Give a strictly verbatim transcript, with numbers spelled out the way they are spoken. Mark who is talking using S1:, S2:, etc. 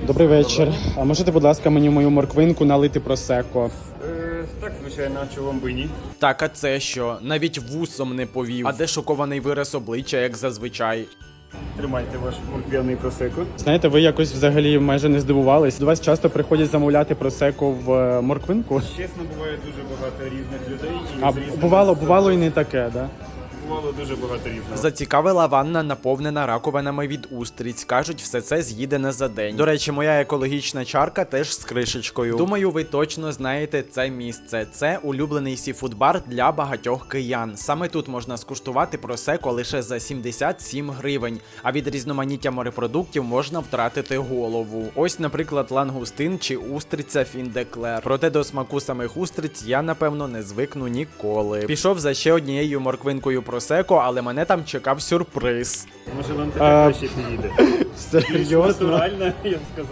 S1: Добрий вечір. А можете, будь ласка, мені мою морквинку налити просеко?
S2: Е, так, звичайно, чого би ні.
S3: Так, а це що? Навіть вусом не повів. А де шокований вираз обличчя, як зазвичай?
S2: Тримайте ваш морквяний просеко.
S1: Знаєте, ви якось взагалі майже не здивувались. До вас часто приходять замовляти просеко в е, морквинку?
S2: Чесно, буває дуже багато різних людей. І
S1: А
S2: з різними
S1: бувало,
S2: смаками.
S1: бувало і не таке, да?
S2: Бувало дуже багато різного.
S3: Зацікавила ванна, наповнена раковинами від устриць. Кажуть, все це з'їдене за день. До речі, моя екологічна чарка теж з кришечкою. Думаю, ви точно знаєте це місце. Це улюблений сіфуд-бар для багатьох киян. Саме тут можна скуштувати просеко лише за сімдесят сім гривень, а від різноманіття морепродуктів можна втратити голову. Ось, наприклад, лангустин чи устриця фіндеклер. Проте до смаку самих устриць я, напевно, не звикну ніколи. Пішов за ще однією морквинкою просеко, але мене там чекав сюрприз.
S2: Може вам таке
S1: А,
S2: краще підійде. Більш
S1: Серйозно?
S2: натуральна, я б сказав.